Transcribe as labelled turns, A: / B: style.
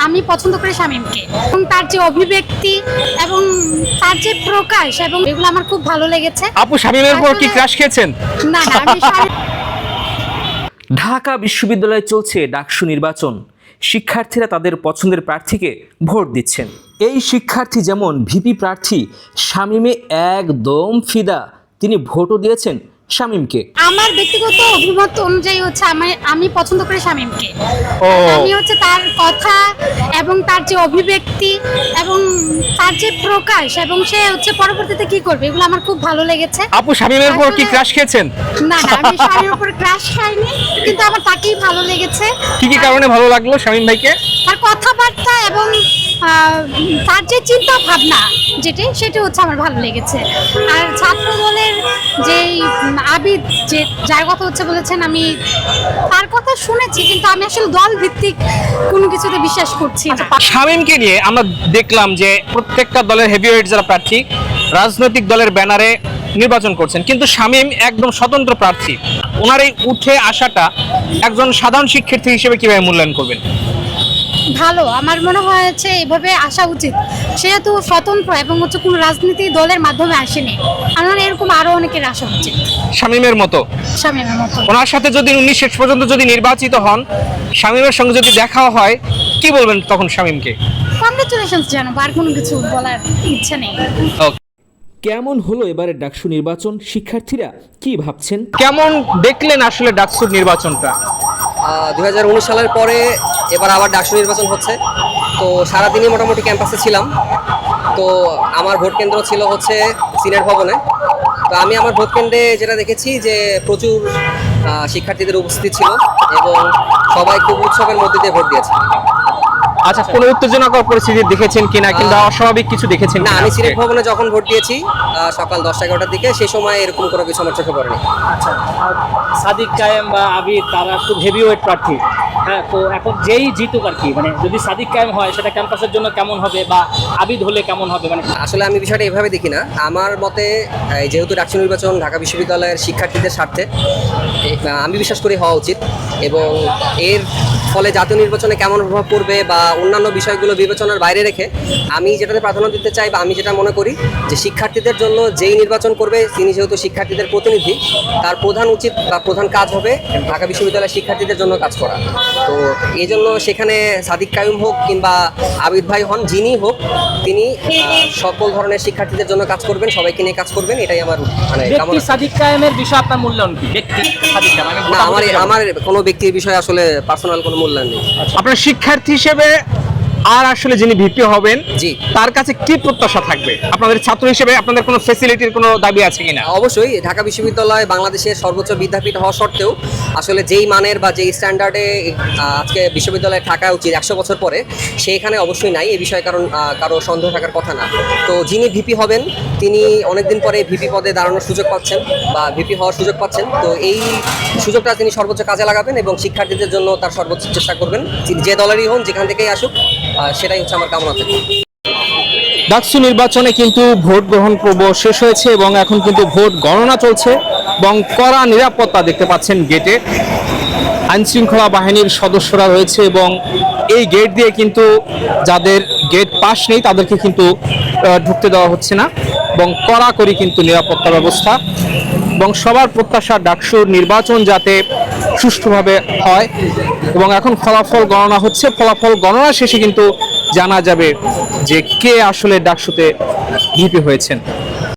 A: আমি পছন্দ করি শামীমকে এবং তার যে অভিব্যক্তি এবং তার যে প্রকাশ এবং এগুলো আমার খুব ভালো লেগেছে।
B: আপু শামীমের উপর কি ক্রাশ খেয়েছেন?
A: না না, আমি
B: ঢাকা বিশ্ববিদ্যালয়ে চলছে ডাকসু নির্বাচন। শিক্ষার্থীরা তাদের পছন্দের প্রার্থীকে ভোট দিচ্ছেন। এই শিক্ষার্থী যেমন ভিপি প্রার্থী শামীমে একদম ফিদা, তিনি ভোটও দিয়েছেন শামীমকে।
A: আমার ব্যক্তিগত অভিমত অনুযায়ী হচ্ছে আমি পছন্দ করি শামীমকে। আমি হচ্ছে তার কথা এবং তার যে অভিব্যক্তি এবং তার যে প্রকাশ এবং সে হচ্ছে পরবর্তীতে কি করবে এগুলো আমার খুব ভালো লেগেছে।
B: আপু শামীমের উপর কি ক্রাশ খেয়েছেন?
A: না না, আমি শামীমের উপর ক্রাশ খাইনি, কিন্তু আমার তাকেই ভালো লেগেছে।
B: কি কি কারণে ভালো লাগলো শামীম ভাইকে?
A: তার কথাবার্তা এবং তার যে চিন্তা ভাবনা সেটা হচ্ছে আমার ভালো লেগেছে। আর ছাত্র দলের যেই আবিদ যে যার কথা হচ্ছে বলেছেন, আমি তার কথা শুনেছি, কিন্তু আমি আসলে দল ভিত্তিক কোনো কিছুতে বিশ্বাস করছি না।
B: শামীমকে নিয়ে আমরা দেখলাম যে প্রত্যেকটা দলের হেভিওয়েট যারা প্রার্থী রাজনৈতিক দলের ব্যানারে নির্বাচন করছেন, কিন্তু শামীম একদম স্বতন্ত্র প্রার্থী। ওনার এই উঠে আসাটা একজন সাধারণ শিক্ষার্থী হিসেবে কিভাবে মূল্যায়ন করবেন?
A: ভালো, আমার মনে হয়েছে এভাবে আসা উচিত। সেহেতু স্বতন্ত্র এবং হচ্ছে কোনো রাজনীতি দলের মাধ্যমে আসেনি, আমার এরকম আরো অনেকের আসা উচিত
B: শামীমের মতো।
A: শামীমের মতো
B: ওনার সাথে যদি উনি শেষ পর্যন্ত যদি নির্বাচিত হন, শামীমের সঙ্গে যদি দেখা হয়, কি বলবেন তখন শামীমকে?
A: কংগ্রেচুলেশনস জানাবো, আর কোনো কিছু বলার ইচ্ছা নেই।
B: কেমন হলো এবারে ডাকসু নির্বাচন? শিক্ষার্থীরা কি ভাবছেন? কেমন দেখলেন আসলে ডাকসুর নির্বাচনটা?
C: 2019 সালের পরে এবার আবার ডাকসু নির্বাচন হচ্ছে। তো সারাদিনই মোটামুটি ক্যাম্পাসে ছিলাম। তো আমার ভোট কেন্দ্র ছিল হচ্ছে সিনেট ভবনে। তো আমি আমার ভোট কেন্দ্রে যেটা দেখেছি যে প্রচুর শিক্ষার্থীদের উপস্থিতি ছিল এবং সবাই খুব উৎসবের মধ্যে দিয়ে ভোট দিয়েছে।
B: আচ্ছা, কোনো উত্তেজনাকর পরিস্থিতি দেখেছেন কিনা, কিংবা অস্বাভাবিক কিছু দেখেছেন
C: না,
B: কিনা?
C: আমি সিনেট ভবনে যখন ভোট দিয়েছি সকাল 10-11টার দিকে, সেই সময় এরকম কোনো কিছু আমার চোখে পড়েনি।
D: আচ্ছা, আর সাদিক কায়েম বা আবিদ তারা খুব হেভিওয়েট প্রার্থী। হ্যাঁ, তো এখন যেই জিতুক আর কি, মানে যদি সাদিক কায়েম হয় সেটা ক্যাম্পাসের জন্য কেমন হবে, বা আবিদ হলে কেমন হবে? মানে
C: আসলে আমি বিষয়টা এভাবে দেখি না। আমার মতে যেহেতু ডাকসু নির্বাচন ঢাকা বিশ্ববিদ্যালয়ের শিক্ষার্থীদের স্বার্থে, আমি বিশ্বাস করি হওয়া উচিত। এবং এর ফলে জাতীয় নির্বাচনে কেমন প্রভাব পড়বে বা অন্যান্য বিষয়গুলো বিবেচনার বাইরে রেখে আমি যেটাতে প্রাধান্য দিতে চাই বা আমি যেটা মনে করি যে শিক্ষার্থীদের জন্য যেই নির্বাচন করবে তিনি যেহেতু শিক্ষার্থীদের প্রতিনিধি, তার প্রধান উচিত বা প্রধান কাজ হবে ঢাকা বিশ্ববিদ্যালয়ের শিক্ষার্থীদের জন্য কাজ করা। তো এই জন্য সেখানে সাদিক কায়ুম হোক কিংবা আবিদ ভাই হন, যিনি হোক, তিনি সকল ধরনের শিক্ষার্থীদের জন্য কাজ করবেন, সবাইকে নিয়ে কাজ করবেন, এটাই আমার মানে
D: ব্যক্তি সাদিক কায়েমের বিষয়ে আপনার মূল্যায়ন কি? ব্যক্তি সাদিক কায়েম, আমি
C: না, আমার কোনো ব্যক্তির বিষয়ে আসলে পার্সোনাল কোনো মূল্যায়ন নেই।
B: আপনার শিক্ষার্থী হিসেবে আর আসলে যিনি ভিপি হবেন,
C: জি,
B: তার কাছে কি প্রত্যাশা থাকবে? আপনাদের ছাত্র হিসেবে আপনাদের কোনো ফ্যাসিলিটির কোনো দাবি আছে কিনা?
C: অবশ্যই ঢাকা বিশ্ববিদ্যালয় বাংলাদেশের সর্বোচ্চ বিদ্যাপীঠ হওয়া সত্ত্বেও আসলে যেই মানের বা যেই স্ট্যান্ডার্ডে আজকে বিশ্ববিদ্যালয়ে থাকা উচিত 100 বছর পরে, সেইখানে অবশ্যই নাই। এই বিষয়ে কারো সন্দেহ থাকার কথা না। তো যিনি ভিপি হবেন তিনি অনেকদিন পরে ভিপি পদে দাঁড়ানোর সুযোগ পাচ্ছেন বা ভিপি হওয়ার সুযোগ পাচ্ছেন। তো এই সুযোগটা তিনি সর্বোচ্চ কাজে লাগাবেন এবং শিক্ষার্থীদের জন্য তার সর্বোচ্চ চেষ্টা করবেন। যে দলেরই হন, যেখান থেকেই আসুক, সেটাই হচ্ছে আমার কামনা থাকে।
B: ডাকসু নির্বাচনে কিন্তু ভোট গ্রহণ পর্ব শেষ হয়েছে এবং এখন কিন্তু ভোট গণনা চলছে এবং কড়া নিরাপত্তা দেখতে পাচ্ছেন গেটে। আইনশৃঙ্খলা বাহিনীর সদস্যরা রয়েছে এবং এই গেট দিয়ে কিন্তু যাদের গেট পাস নেই তাদেরকে কিন্তু ঢুকতে দেওয়া হচ্ছে না, এবং কড়াকড়ি কিন্তু নিরাপত্তা ব্যবস্থা। এবং সবার প্রত্যাশা ডাকসুর নির্বাচন যাতে সুষ্ঠুভাবে হয়। এবং এখন ফলাফল গণনা হচ্ছে, ফলাফল গণনা শেষে কিন্তু জানা যাবে যে কে আসলে ডাকসুতে ভিপি হয়েছেন।